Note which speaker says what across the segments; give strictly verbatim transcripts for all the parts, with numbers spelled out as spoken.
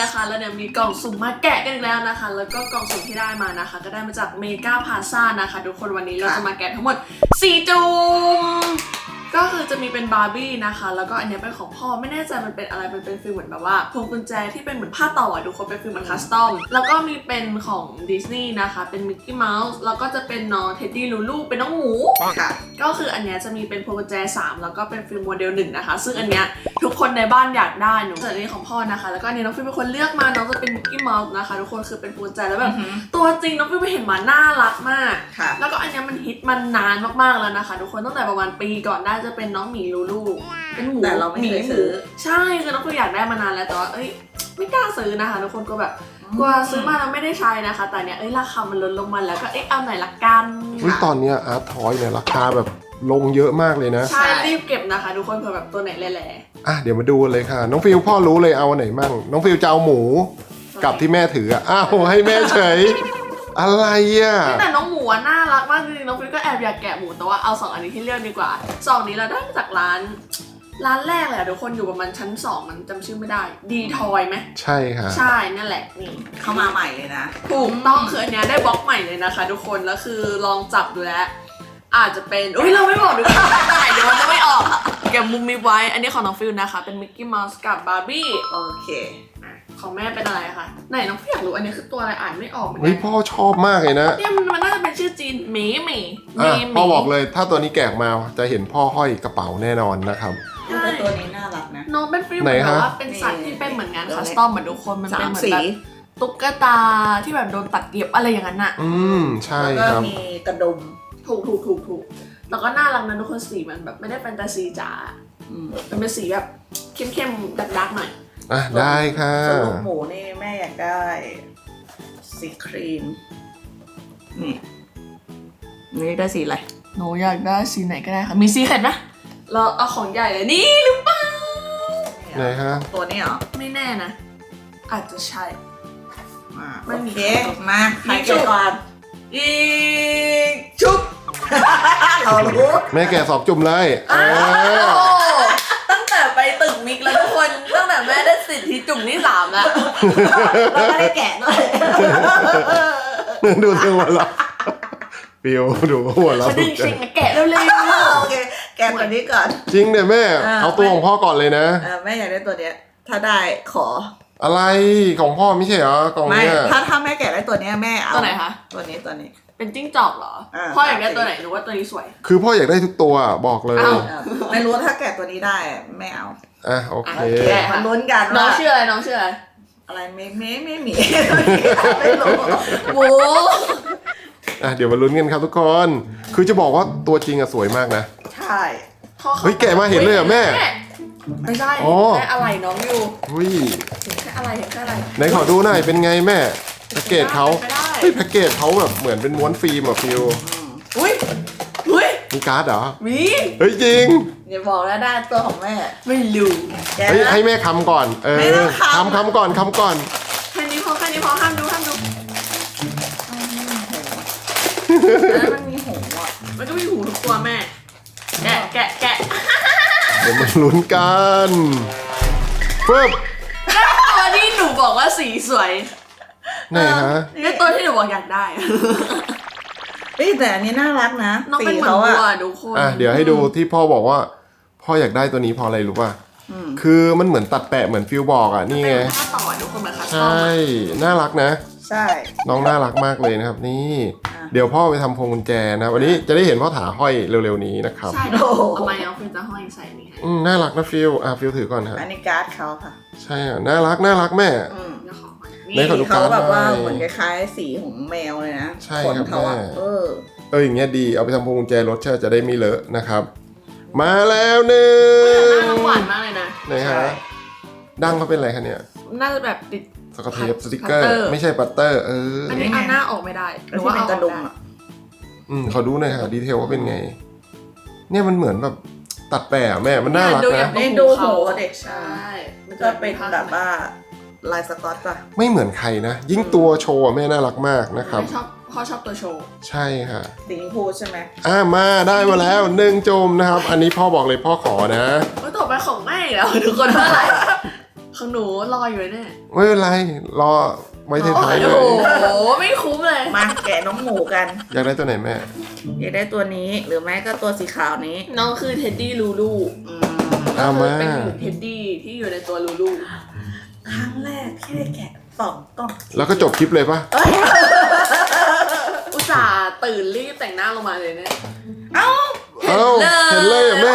Speaker 1: นะคะแล้วเนี่ยมีกล่องสุ่มมาแกะกันอีกแล้วนะคะแล้วก็กล่องสุ่มที่ได้มานะคะก็ได้มาจากเมกาพาซ่านะคะทุกคนวันนี้เราจะมาแกะทั้งหมดสี่จุ่มก็คือจะมีเป็นบาร์บี้นะคะแล้วก็อันนี้เป็นของพ่อไม่แน่ใจมันเป็นอะไรมันเป็นฟีลเหมือนแบบว่าพวงกุญแจที่เป็นเหมือนผ้าต่อทุกคนเป็นฟีลเหมือนคัสตอมแล้วก็มีเป็นของดิสนีย์นะคะเป็นมิกกี้เมาส์แล้วก็จะเป็นน้องเท็ดดี้ลูลูเป็นน้องหมูค่ะก็คืออันนี้จะมีเป็นพวงกุญแจสามแล้วก็เป็นฟีลโมเดลหนึ่งนะคะซึ่งอันเนี้ยทุกคนในบ้านอยากได้หนูส่วนอันนี้ของพ่อนะคะแล้วก็อันนี้น้องฟิลเป็นคนเลือกมาน้องจะเป็นมิกกี้เมาส์นะคะทุกคนคือเป็นพวงกุญแจแล้วแบบตัวจริงน้องฟิลไปเห็นมาน่ารักมากแล้วก็อันนี้มันฮิตมันนานมากๆแล้วนะคะทุกคนตั้งแต่ประมาณปีก่อนได้จะเป็นน้องหมีลูลูเป็นหมู
Speaker 2: แต่เราไม่เคยซื้อ
Speaker 1: ใช่คือน้องฟิลอยากได้มานานแล้วแต่ว่าเอ้ยไม่กล้าซื้อนะคะทุกคนก็แบบกลัวซื้อมาแล้วไม่ได้ใช้นะคะแต่เนี้ยเอ้ยราคามันลดลงมาแล้วก็เอ๊ะเอาไหนละกัน
Speaker 3: ตอนนี้อาร์ตทอยเนี่ยราคาแบบลงเยอะมากเลยนะ
Speaker 1: ใช่รีบเก็บนะคะทุกคนเผื่อแบบตัวไหนแหล่
Speaker 3: ๆอ่ะเดี๋ยวมาดูเลยค่ะน้องฟิลพ่อรู้เลยเอาไหนมั่งน้องฟิลจะเอาหมูกับที่แม่ถืออ่ะอ้าวให้แม่เฉยอะไรอ่ะ
Speaker 1: แต่น้องหมูน่ารักมากจริงๆน้องฟิลก็แอบอยากแกะหมูแต่ว่าเอาสองอันนี้ที่เลือกดีกว่าสองนี้เราได้มาจากร้านร้านแรกเลยอะทุกคนอยู่ประมาณชั้นสองมันจำชื่อไม่ได้ดีทอยไหม
Speaker 3: ใช่ค่ะ
Speaker 1: ใช่นั่นแหละนี่
Speaker 2: เข้ามาใหม่เลยนะ
Speaker 1: ถูกต้องคืออันเนี้ยได้บล็อกใหม่เลยนะคะทุกคนแล้วคือลองจับดูแล้วอาจจะเป็นอุ้ยเราไม่บอกดีกว่าเดี๋ยวมันจะไม่ออกเก็บมุมมีไว้อันนี้ของน้องฟิลนะคะเป็นมิกกี้เมาส์กับบาร์บี้
Speaker 2: โอเค
Speaker 1: ของแม่เป็นอะไรคะไหนน้องฟิลอยากรู้อันนี้คือตัวอะไรอ่านไม่ออกเหมือนกั
Speaker 3: นเฮ้ยพ่อชอบมากเลยนะ
Speaker 1: เนี่ยมันน่าจะเป็นชื่อจีนหมีหมี
Speaker 3: อ่ะพ่อบอกเลยถ้าตัวนี้แกะมาจะเห็นพ่อห้อยกระเป๋าแน่นอนนะครับ
Speaker 2: แต่ตัวนี้น่ารักนะ
Speaker 1: น้องเป็นฟิลเหมือนแบบว่าเป็นสัตว์ที่เป็นเหมือนงานคัสตอมเหมือนทุกคนมันเป็นเหมือนแบบตุ๊กตาที่แบบโดนตัดเย็บอะไรอย่างนั้นอ่ะ
Speaker 3: อืมใช่
Speaker 2: ค
Speaker 3: รับ
Speaker 2: แล้วก็มีกระดุม
Speaker 1: ถูกถูกถูกถูกแล้วก็น่ารักนะทุกคนสีมันแบบไม่ได้แฟนตาซีจ๋ามันเป็นสีแบบเข้มๆดักๆหน่อย
Speaker 3: อ่ะได้ค่ะ
Speaker 2: ส่วนลูกหมูนี่แม่อยากได้สีครีมนี่นี่ได้สีอะไร
Speaker 1: หนูอยากได้สีไหนก็ได้ค่ะมีสีเข็ดไหมเราเอาของใหญ่เลยนี่หรือเปล่า
Speaker 3: ไหนฮะ
Speaker 2: ตัวนี้เหรอ
Speaker 1: ไม่แน่นะอาจจะใช่
Speaker 2: โอเคมาใครเก็บก่อนอีชุบเรารู้
Speaker 3: แม่แกะสอบจุ่มเลย
Speaker 1: ตั้งแต่ไปตึกมิกแล้วทุกคนตั้งแต่แม่ได้สิทธิจุ่มที่สามแล้ว
Speaker 2: เราไม่ได้แกะด้วย
Speaker 3: ดูตัวเราฟิวดูหัวเรา
Speaker 1: จริงจริงแกะเร็วๆ
Speaker 2: โอเคแกะตัวนี้ก่อน
Speaker 3: จริงเนี่ยแม่เอาตัวของพ่อก่อนเลยนะ
Speaker 2: แม่อยากได้ตัวเนี้ยถ้าได้ขอ
Speaker 3: อะไรของพ่อไม่ใช่เหรอกล่องเนี้ย
Speaker 2: ถ้าถ้าแม่แกะได้ตัวนี้แม่เอา
Speaker 1: ตัวไหนคะ
Speaker 2: ตัวนี้ตัวนี้
Speaker 1: เป็นจิ้งจอกเหรอพ่ออยากได้ตัวไหนหรือว่าตัวนี้สวย
Speaker 3: คือพ่ออยากได้ทุกตัวบอกเลย
Speaker 2: ไม่รู้ถ้าแกะตัวนี้ได้ไม่เอา
Speaker 3: อ่ะโอเค
Speaker 2: มาลุ้นกัน
Speaker 1: น้องชื่ออะไรน้องชื่ออะไร
Speaker 2: อะไรไม่ไม่ไม่มีไม่รู้
Speaker 1: โว้
Speaker 3: อ่ะเดี๋ยวมาลุ้นกันครับทุกคนคือจะบอกว่าตัวจริงอะสวยมากนะ
Speaker 2: ใช่
Speaker 3: เฮ้ยแกะมาเห็นเลยเหรอแม่
Speaker 1: ไม่ใช่แค่อะไรน้องอยู่
Speaker 3: อุ้ย
Speaker 1: แค่อะไรแค่อะไร
Speaker 3: ไหนขอดูหน่อยเป็นไงแม่แพ็กเกจเขาเฮ้ยแพ็กเกจเขาแบบเหมือนเป็นม้วนฟิล์มอะฟิว
Speaker 1: อุ้ยอุ้ย
Speaker 3: มีการ์ดเหรอ
Speaker 1: มี
Speaker 3: เฮ้ยจริง
Speaker 2: อย่าบอกนะได้ตัวของแม่
Speaker 1: ไม่รู้
Speaker 3: เฮ้ยให้แม่คำก่อนเออคำคำก่อนคำก่อน
Speaker 1: แค่นี้พอแค่นี้พอห้ามดูห้ามดู
Speaker 2: แล้วมันมีหูอ่ะ
Speaker 1: มันก็มีหูทุกตัวแม่แกะแกะแกะ
Speaker 3: เดี๋ยวมาลุ้นกันปึ๊บ
Speaker 1: ตัวที่หนูบอกว่าสีสวย
Speaker 3: ไหนฮะ
Speaker 1: นี่ตัวที่หนูบอกอยากได้
Speaker 2: เฮ้ยแต่อันนี้น่ารักนะ
Speaker 1: น้องเป็นเหมือนวัวทุกคน
Speaker 3: อ่ะเดี๋ยวให้ดูที่พ่อบอกว่าพ่ออยากได้ตัวนี้เพราะอะไรรู้ป่ะคือมันเหมือนตัดแปะเหมือนฟิวบอกอ่ะนี่ไง
Speaker 1: ต่อทุกคนเหมือนคัสตอม
Speaker 3: ใช่น่ารักนะ
Speaker 2: ใช่
Speaker 3: น้องน่ารักมากเลยนะครับนี่เดี๋ยวพ่อไปทำพวงกุญแจนะวันนี้จะได้เห็นพ่อถาห้อยเร็วๆนี้นะครับ
Speaker 1: ใช่ทำไมน้องฟิวจะห้อยใส่นี่
Speaker 3: อืมน่ารักนะฟิวอ่ะฟิวถือก่อนครับ
Speaker 2: อันนี้การ์ดเขาค่ะ
Speaker 3: ใช่อ่ะน่ารักน่ารักแม่
Speaker 2: นี่เขาแบบว่าเหมือนคล้ายๆสีของแมวเลยนะ
Speaker 3: ใช่ครับแม่
Speaker 2: เออ
Speaker 3: เอออย่างเงี้ยดีเอาไปทำพวงกุญแจรถเชื่อจะได้ไม่เลอะนะครับมาแล้วหนึ่ง
Speaker 1: น่าหวานมากเลยนะ
Speaker 3: ไหนฮะดั้งเขาเป็นอะไรคะเนี่ย
Speaker 1: น่าจะแบบติด
Speaker 3: สกอตเทปสติกเกอร์ไม่ใช่ปัตเตอร์เออ
Speaker 1: อันนี้เอาหน้าออกไม่ได้หรือว่าเอากระดุมอ่ะ
Speaker 3: อืมขอดูหน่อยค่ะดีเทลว่าเป็นไงเนี่ยมันเหมือนแบบตัดแปะแม่มันน่ารักนะ
Speaker 2: นี่ดูหูเด็กใช่มันจะเป็นแบบว่าลายสก๊อตป่ะ
Speaker 3: ไม่เหมือนใครนะยิ่งตัวโชว์แม่น่ารักมากนะครับ
Speaker 1: ชอบพ่อชอบตัวโชว์
Speaker 3: ใช่ค่ะ
Speaker 2: สีชมพูใช่ไหม
Speaker 3: อ่ามาได้มาแล้วหนึ่งจมนะครับอันนี้พ่อบอกเลยพ่อขอนะ
Speaker 1: ต่อไปของแม่แล้วทุกคนเท่าไหร่ของหนูรออยู่เนี่ย
Speaker 3: ไม่เป็นไรรอไว้ท้ายๆเล
Speaker 1: โอ้
Speaker 3: ย
Speaker 1: โหไม่คุ้มเลย
Speaker 2: มาแกะน้องหมูกัน
Speaker 3: อยากได้ตัวไหนแม่
Speaker 2: อยากได้ตัวนี้หรือไม่ก็ตัวสีขาวนี้
Speaker 1: น้องคือเท็ดดี้ลูลู
Speaker 2: อืม
Speaker 3: เอามา
Speaker 1: เป็นหนูเท็ดดี้ที่อยู่ในตัวลูลู
Speaker 2: ครั้งแรกที่ได้แกะสองกล่อง
Speaker 3: แล้วก็จบคลิปเลยปะ
Speaker 1: อุตส่าห์ตื่นรีบแต่งหน้าลงมาเลยเนี่ย
Speaker 2: เอ้า
Speaker 3: เอ้าเห็นเลยเหรอ่ะแม่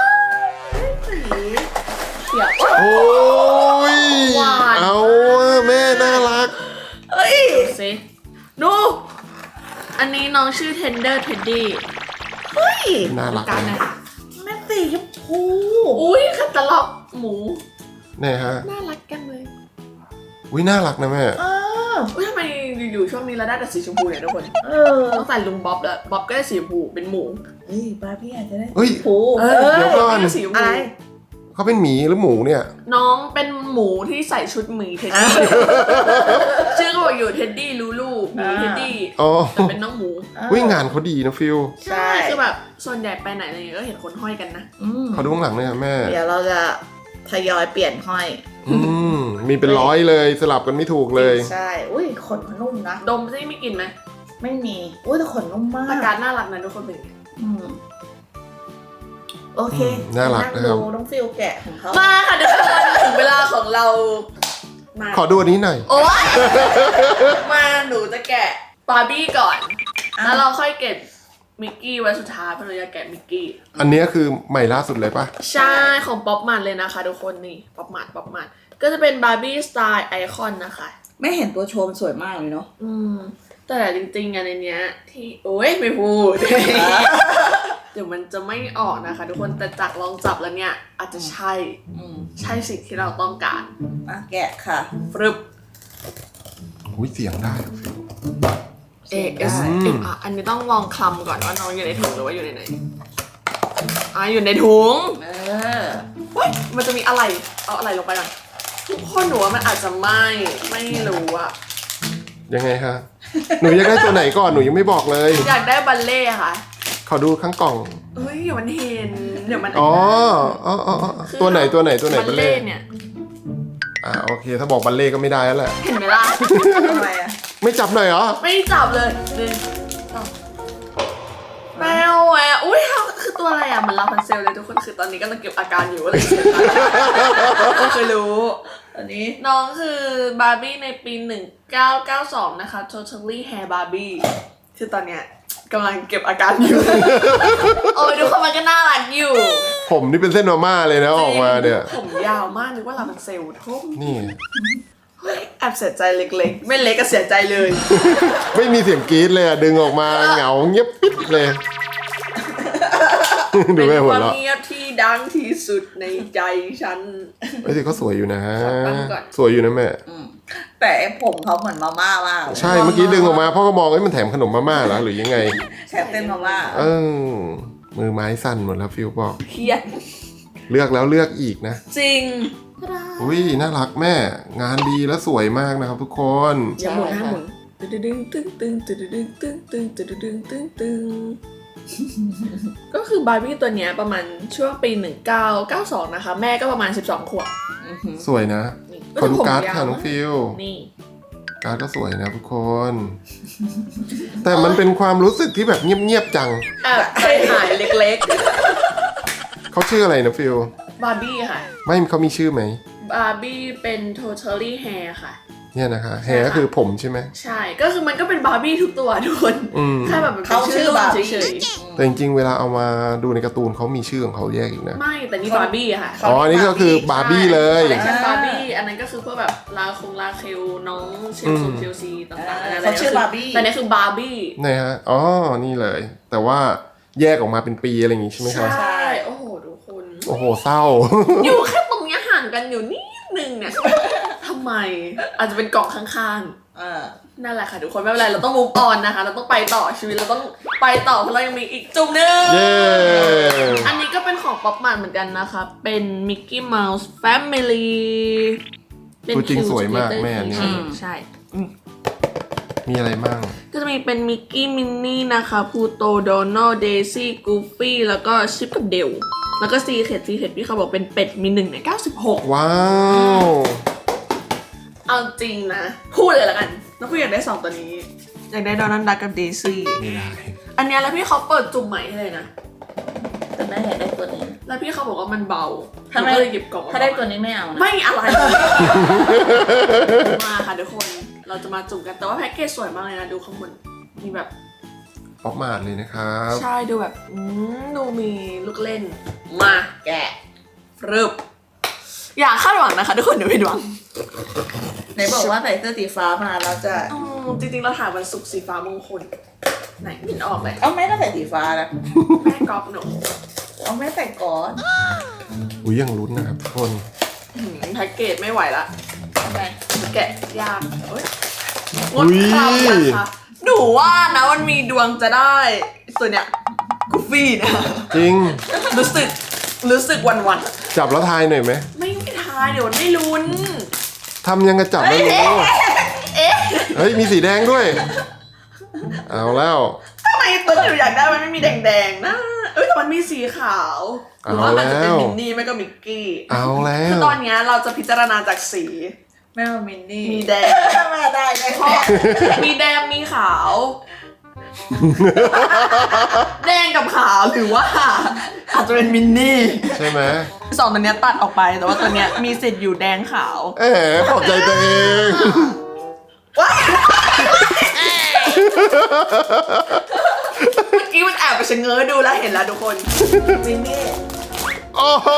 Speaker 1: เขียว
Speaker 3: โอ้ย
Speaker 1: หวาน
Speaker 3: เอาอะแม่น่ารัก
Speaker 2: เอ้ย
Speaker 1: ดูสิดูอันนี้น้องชื่อ Tender Teddy
Speaker 2: เฮ้ย
Speaker 3: น่ารัก
Speaker 1: การไหน
Speaker 3: นะ
Speaker 2: แม่สีชมพู
Speaker 1: อุ้ยคัตตาล็อกหมู
Speaker 3: เนี่ยฮะ
Speaker 1: น่ารักกันเลย
Speaker 3: อุ้ยน่ารักนะแม่
Speaker 2: เออ
Speaker 1: อุ้ยทำไมอยู่ๆช่วงนี้เราได้แต่สีชมพูเนี่ยทุกคน
Speaker 2: เออ
Speaker 1: ต้องใส่ลุงบ๊อบแล้วบ๊อบก็ได้สีชมพูเป็นหมู
Speaker 2: เฮ้ยบาร์บี้อาจจะได้
Speaker 3: เฮ้ย
Speaker 2: ชมพู
Speaker 1: เออ
Speaker 3: เดี๋ยวก่อน
Speaker 1: ได้สีชมพู
Speaker 2: อะไร
Speaker 3: เขาเป็นหมีหรือหมูเนี่ย
Speaker 1: น้องเป็นหมูที่ใส่ชุดหมีเท็ดดี้ชื่อก็บอกอยู่เท็ดดี้ลูลูหมีเท็ดดี้
Speaker 3: อ๋อ
Speaker 1: แต่เป็นน้องหมู
Speaker 3: วิ่งงานเขาดีนะฟิล
Speaker 2: ใช่
Speaker 1: คือแบบส่วนใหญ่ไปไหนอะไรเงี้ยก็เห็นคนห้อยกันนะ
Speaker 2: อืม
Speaker 3: เขาดูข้างหลังเลยค่ะแม่
Speaker 2: เดี๋ยวเราจะทยอยเปลี่ยนห้อย
Speaker 3: อืมมีเป็นร้อยเลยสลับกันไม่ถูกเลย
Speaker 2: ใช่ อุ้ยขนมันนุ่มนะ
Speaker 1: ดมซิไม่กินไหม
Speaker 2: ไม่มี อุ้ยแต่ขนนุ่มมาก
Speaker 1: ตาการน่ารักนะทุกคนเป็นไง
Speaker 2: อืมโอเค
Speaker 3: อืมน่ารักนะครับ
Speaker 2: งดูน้องฟิลแกะของเขา
Speaker 1: มาค่ะทุกคนถึงเวลาของเรามา
Speaker 3: ขอดูอันนี้หน่อย
Speaker 1: โอ๊ยมาหนูจะแกะบาร์บี้ก่อน แล้วเราค่อยเก็บมิกกี้ไว้สุดท้ายเพราะเราจะแกะมิกกี้
Speaker 3: อันเนี้ยคือใหม่ล่าสุดเลยปะ
Speaker 1: ใช่ของป๊อปมันเลยนะคะทุกคนนี่ป๊อปมันป๊อปมันก็จะเป็นบาร์บี้สไตล์ไอคอนนะคะ
Speaker 2: ไม่เห็นตัวโชว์มันสวยมากเลยเนาะ
Speaker 1: อืมแต่จริงๆอันในเนี้ยที่โอ้ยไม่พูด เดี๋ยวมันจะไม่ออกนะคะ ทุกคนแต่จากลองจับแล้วเนี่ยอาจจะใช่
Speaker 2: อืม
Speaker 1: ใช่สิ่งที่เราต้องการ
Speaker 2: อ่ะแกะค่ะ
Speaker 1: ฟรึบ
Speaker 3: อุ้ยเสียงได้อะฟิล
Speaker 1: เอเอส
Speaker 3: อืม
Speaker 1: เอ็มอ่ะอันนี้ต้องลองคลำก่อนว่าน้องอยู่ในถุงหรือว่าอยู่ในไหนอ่ะอยู่ในถุง
Speaker 2: เออ
Speaker 1: เฮ้ยมันจะมีอะไรเอาอะไรลงไปก่อนทุกคนหนูว่ามันอาจจะไม่ไม่รู้อะ
Speaker 3: ยังไงคะหนูอยากได้ตัวไหนก่อนหนูยังไม่บอกเลย
Speaker 1: อยากได้บัลเล่ต์ค่ะ
Speaker 3: ขอดูข้างกล่อง
Speaker 1: เฮ้ยเดี๋ยวมันเห็นเดี๋ยวมัน
Speaker 3: อ๋ออ๋ออ๋ออ๋อ
Speaker 1: คือ
Speaker 3: ตัวไหนตัวไหนตัวไหน
Speaker 1: บั
Speaker 3: บั
Speaker 1: ล
Speaker 3: ล
Speaker 1: เล่
Speaker 3: เล่
Speaker 1: ต์เนี่ย
Speaker 3: อ่าโอเค ถ้าบอกบัลเล่ก็ไม่ได้แล้วแหละ
Speaker 1: เห็นไหมล่ะ
Speaker 2: ทำไมอ่ะ
Speaker 3: ไม่จับหน่อยเหรอ
Speaker 1: ไม่จับเลยหนึ่งสองแมวแหวะอุ้ยคือตัวอะไรอ่ะ มันลาพันเซลเลยทุกคนคือตอนนี้กำลังเก็บอาการอยู่อะไรไม่เคยรู้
Speaker 2: อันนี้
Speaker 1: น้องคือบาร์บี้ในปีหนึ่งเก้าเก้าสองนะคะ Totally Hair Barbie คือตอนเนี้ยกำลังเก็บอาการอยู่ โอ้ยทุกคนมันก็น่ารักอยู่
Speaker 3: ผมนี่เป็นเส้นมาม่าเลยนะออกมาเนี่ย
Speaker 1: ผมยาวมากนึกว่าลาพันเซลทุ่ม
Speaker 3: นี่
Speaker 1: เฮ้ยแอบเสียใจเล็กๆ ไม่เล็กก็เสียใจเลย
Speaker 3: ไม่มีเสียงกรี๊ดเลยอะดึงออกมาเหงาเงียบปิดเลย ดู
Speaker 1: เป็น
Speaker 3: แม่
Speaker 1: ค
Speaker 3: หัว
Speaker 1: วาม
Speaker 3: เราะ
Speaker 1: เงียบที่ดังที่สุดในใจฉัน
Speaker 3: ไอ้สิเขาสวยอยู่นะ
Speaker 1: ขอตั้งก่อน
Speaker 3: สวยอยู่นะแม่
Speaker 2: อืมแต่ไอ้ผมเขาเหมือนมาม่ามากเลย
Speaker 3: ใช่เมื่อกี้ดึงออกมาพ่อก็มองไอ้ยมันแถมขนมมาม่าเหรอหรือยังไง
Speaker 2: แชร์เต้นมาม่า
Speaker 3: เออมือไม้สั่นหมดแล้วฟิวบอก
Speaker 1: เครียด
Speaker 3: เลือกแล้วเลือกอีกนะ
Speaker 1: จริง
Speaker 3: อุ้ยน่ารักแม่ งานดีและสวยมากนะครับทุกคน
Speaker 1: อย่าหมุนหน้าหมุนตึ้งตึ้งตึ้งตึ้งตึ้งตึ้งตึ้งตึ้งตึ้งตึ้งตึ้งตึ้งก็คือบาร์บี้ตัวเนี้ยประมาณช่วงปีหนึ่งเก้าเก้าสองนะคะ แม่ก็ประมาณสิบสองขวบ
Speaker 2: อือหือ
Speaker 3: สวยนะ
Speaker 1: นี่
Speaker 3: ขอดูการ์ด
Speaker 1: ผมยาว
Speaker 3: ค่ะน้องฟิว
Speaker 1: นี่
Speaker 3: การ์ดก็สวยนะทุกคน แต่มันเป็นความรู้สึกที่แบบเงียบๆจัง
Speaker 1: แอบใจหายเล็ก
Speaker 3: เขาชื่ออะไรนะฟิว
Speaker 1: ๆ บาร์บี้ค่ะ
Speaker 3: ไม่เขามีชื่อไหม
Speaker 1: บาร์บี้เป็น totally hair ค่ะ
Speaker 3: เนี่ยนะคะแฮร์ก็คือผมใช่ไหม
Speaker 1: ใช่ ก็คือมันก็เป็นบาร์บี้ทุกตัวทุกคน
Speaker 3: อืม
Speaker 1: แค่แบบมันเป็
Speaker 2: เขา
Speaker 1: น
Speaker 2: ชื่
Speaker 1: ชื่
Speaker 2: อ
Speaker 1: อ
Speaker 2: บาร์
Speaker 1: เฉ
Speaker 2: บี้
Speaker 1: ย
Speaker 3: แต่จริงๆเวลาเอามาดูในการ์ตูนเขามีชื่อของเขาแยกอีกนะ
Speaker 1: ๆ ไม่ แต่นี่บาร์บี้อะค่ะ
Speaker 3: อ๋ออันนี้ก็คือบาร์บี้เลย
Speaker 1: คอลเลคชันบาร์บี้ อันนั้นก็คือพวกแบบลาคงลาเคลน้องเชลซูเชลซีต่างๆ
Speaker 2: อ่า
Speaker 1: อะไร
Speaker 2: เขาชื่อบาร์บี้
Speaker 1: แต่นี่คือบาร์บี้
Speaker 3: นะฮะ อ๋อ นี่เลย แต่ว่าแยกออกมาเป็นปีอะไรอย่างงี้ใช่ไหม
Speaker 1: ใช
Speaker 3: คะ
Speaker 1: ่ โอ้โหทุกคน
Speaker 3: โอ้โห เศร้า
Speaker 1: อยู่แค่ตรงเนี้ยห่างกันอยู่นิดนึงเนี่ยทำไม อาจจะเป็นกล่องข้าง
Speaker 2: อ่า
Speaker 1: ๆ นั่นแหละค่ะทุกคนไม่เป็นไรเราต้อง move on นะคะ เราต้องไปต่อชีวิตเราต้องไปต่อเพราะเรายังมีอีกจุ่มหนึง
Speaker 3: เย้
Speaker 1: อันนี้ก็เป็นของป๊อปมันเหมือนกันนะคะ เป็น Mickey Mouse Family เป็น
Speaker 3: ตัวจริง
Speaker 1: Q
Speaker 3: สวยมาก
Speaker 1: Together
Speaker 3: แม่เนี่ย
Speaker 1: อืมใช่
Speaker 3: มีอะไรบ้าง
Speaker 1: ก็จะมีเป็นมิกกี้มินนี่นะคะพูโตโดนัลเดซี่กูฟี่แล้วก็ชิปกับเดลแล้วก็ซีเค็ดซีเค็ดพี่เขาบอกเป็นเป็ดมีหนึ่งในเก้าสิบหก
Speaker 3: ว้าว
Speaker 1: เอาจริงนะ พูดเลยละกันน้องพี่อยากได้สองตัวนี้ อยากได้โดนัลด์ดักกับเดซี่
Speaker 3: ไม่ได้
Speaker 1: อันเนี้ยแล้วพี่เขาเปิดจุ่มใหม่ให้เลยนะ
Speaker 2: แต่แม่อยากได้ตัวนี้
Speaker 1: แล้วพี่เขาบอกว่ามันเบา
Speaker 2: ถ้าไม่
Speaker 1: หนูก็เลยหยิบกล่อง
Speaker 2: ถ้าได้ตัวนี้ไม่เอานะ
Speaker 1: ไม่อะไร มาค่ะทุกคนเราจะมาจุ่มกันแต่ว่าแพ็กเกจสวยมากเลยนะดูข้างบนมีแบบ
Speaker 3: ป๊อปมาดเลยนะครับ
Speaker 1: ใช่ดูแบบอืมดูมีลูกเล่นมาแกะรึบอย่าคาดหวังนะคะทุกคนเดี๋ยวผิดหวัง
Speaker 2: ไหนบอกว่าใส่เสื้อสีฟ้ามาเราจะ
Speaker 1: อืมจริงๆเราถ่ายวันศุกร์สีฟ้ามงคลไหนไม่เห็นออกเลย
Speaker 2: เอาแม่ก็ใส่สีฟ้านะ
Speaker 1: แม่ก๊อฟหนู
Speaker 2: เอาแม่ใส่ก่อน
Speaker 3: อุ้ยยังลุ้นนะครับทุกคน
Speaker 1: อืมแพ็กเกจไม่ไหวละ
Speaker 2: ทำไม
Speaker 1: แกะยากเอ้ยงดคราวนะคะหนูว่านะมันมีดวงจะได้ตัวเนี้ยกูฟี่นะ
Speaker 3: จริง
Speaker 1: รู้สึกรู้สึกวันวัน
Speaker 3: จับแล้วทายหน่อยไหม
Speaker 1: ๆไม่ไม่ทายเดี๋ยวมันไม่ลุ้น
Speaker 3: ทำยังกระจับแล้วรู้เฮ้ย มีสีแดงด้วย เอาแล้ว
Speaker 1: ทำไมตัวที่หนูอยากได้มันไม่มีแดงๆนะเอ้ยแต่มันมีสีขาวหรือว่ามันจะเป็น
Speaker 3: เอาแล้ว
Speaker 1: มินนี่ไม่ก็มิกกี้
Speaker 3: เอาแล้
Speaker 1: คือ
Speaker 3: ว
Speaker 1: ตอนเนี้ยเราจะพิจารณาจากสี
Speaker 2: แม่ว่ามินนี่
Speaker 1: มีแดง
Speaker 2: แม่ได้ได้
Speaker 1: เพราะมีแดงมีขาว แดงกับขาวหรือว่า อาจจะเป็นมินนี่
Speaker 3: ใช่ไหม
Speaker 1: สองตัวเนี้ยตัดออกไปแต่ว่าตัวเนี้ยมีสิทธิ์อยู่แดงขาว
Speaker 3: เอ๋ขอบใจตัวเอง
Speaker 1: ว้ายเมื่อกี้มันแอบไปชะเง้อดูแล้วเห็นแล้วทุกคน
Speaker 2: มินนี่
Speaker 3: โอ้โห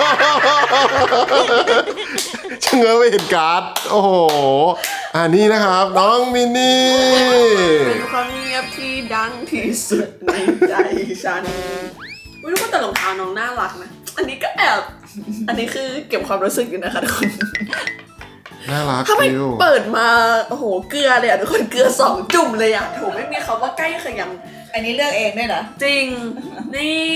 Speaker 3: ชะเง้อไปเห็นการ์ด โอ้โห อ่านี่นะครับ น้องมินนี่
Speaker 1: เป็นความเงียบที่ดังที่สุดในใจฉันไม่รู้ว่าแต่รองเท้าน้องน่ารักนะ อันนี้ก็แอบ อันนี้คือเก็บความรู้สึกอยู่นะคะทุกคน
Speaker 3: น่ารัก
Speaker 1: ถ้าไม่
Speaker 3: ฟิว
Speaker 1: เปิดมาโอ้โหเกลือเลยอ่ะทุกคนเกลือสองจุ่มเลยอ่ะโถไม่มีคำว่าใกล้เขย
Speaker 2: อันนี้เลือกเองด้วยเหรอ
Speaker 1: ำจริง นี่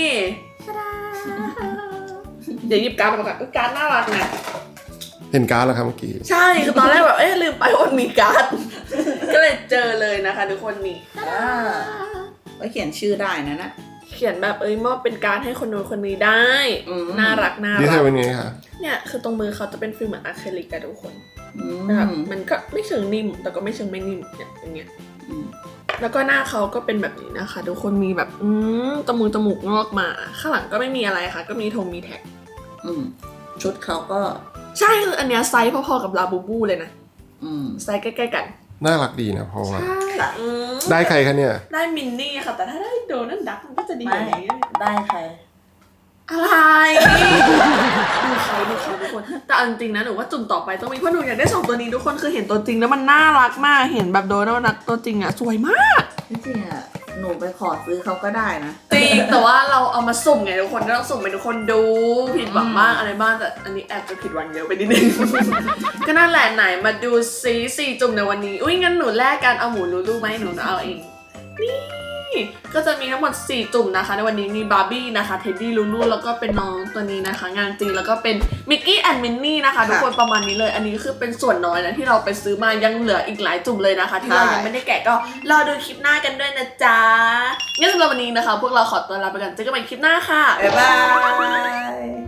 Speaker 1: เดี๋ยวหยิบการ์ดมาก่อนอุ๊ยการ์ดน่ารักนะ
Speaker 3: เห็นการ์ดแล้วครับเมื่อกี้
Speaker 1: ใช่คือตอนแรกแบบเอ๊ะลืมไปว่ามีการ์ด ก็เลยเจอเลยนะคะทุกคนนี่
Speaker 2: อ่าไว้เขียนชื่อได้นะนะ
Speaker 1: เขียนแบบเอ้ยมอบเป็นการ์ดให้คนนู้นคนนี้ได้
Speaker 2: อืม
Speaker 1: น่ารักน่า
Speaker 3: นี่
Speaker 1: รั
Speaker 3: ใช่
Speaker 1: ก
Speaker 3: เป็นไงคะ
Speaker 1: เนี่ยคือตรงมือเขาจะเป็นฟิลเหมือนอะคริลิกอะทุกคน
Speaker 2: อืม
Speaker 1: แบบมันก็ไม่เชิงนิ่มแต่ก็ไม่เชิงไม่นิ่มเนี่ยอย่างเงี้ย
Speaker 2: อืม
Speaker 1: แล้วก็หน้าเขาก็เป็นแบบนี้นะคะทุกคนมีแบบอืมจมูกจมูกงอกมาข้างหลังก็ไม่มีอะไรค่ะก็มีธงมีแท็ก
Speaker 2: อืมชุดเขาก็
Speaker 1: ใช่คืออันเนี้ยไซส์พอๆกับลาบูบูเลยนะ
Speaker 2: อืม
Speaker 1: ไซส์ใกล้ๆกัน
Speaker 3: น่ารักดีนะเพราะว่า
Speaker 1: ใช่อืม
Speaker 3: ได้ใครคะเนี่ย
Speaker 1: ได้มินนี่ค่ะแต่ถ้าได้โดนัลด์ดักมันก็จะดีก
Speaker 2: ไม่
Speaker 1: ว่านี้
Speaker 2: ได้ใคร
Speaker 1: อะไรดูเขาดูเขาทุกคนแต่เอาจริงๆนะหนูว่าจุ่มต่อไปต้องมีเพราะหนูอยากได้สองตัวนี้ทุกคนคือเห็นตัวจริงแล้วมันน่ารักมากเห็นแบบโดนัลด์ดักตัวจริงอะสวยมาก
Speaker 2: จริงๆอ่ะ หนูไปขอซื้อเขาก็ได้นะ
Speaker 1: จริงแต่ว่าเราเอามาสุ่มไงทุกคนก็ต้องสุ่มให้ทุกคนดูผิดหวังบ้างอะไรบ้างแต่อันนี้แอบจะผิดหวังเยอะไปนิดนึง ก็นั่นแหละไหนมาดูซีสี่จุ่มในวันนี้อุ้ยงั้นหนูแลกกันเอาหมูลูลูไหมหนูเอาเองนี่ก็จะมีทั้งหมดสี่จุ่มนะคะในวันนี้มีบาร์บี้นะคะเท็ดดี้ลูลูแล้วก็เป็นน้องตัวนี้นะคะ งานจริงแล้วก็เป็นมิกกี้แอนด์มินนี่นะคะทุกคนประมาณนี้เลยอันนี้คือเป็นส่วนน้อยนะที่เราไปซื้อมายังเหลืออีกหลายจุ่มเลยนะคะ ที่เรายังไม่ได้แกะก็รอดูคลิปหน้ากันด้วยนะจ๊ะงั้นสำหรับวันนี้นะคะ พวกเราขอตัวลาไปก่อนเจอกันใหม่คลิปหน้าค่ะ
Speaker 2: บ๊ายบาย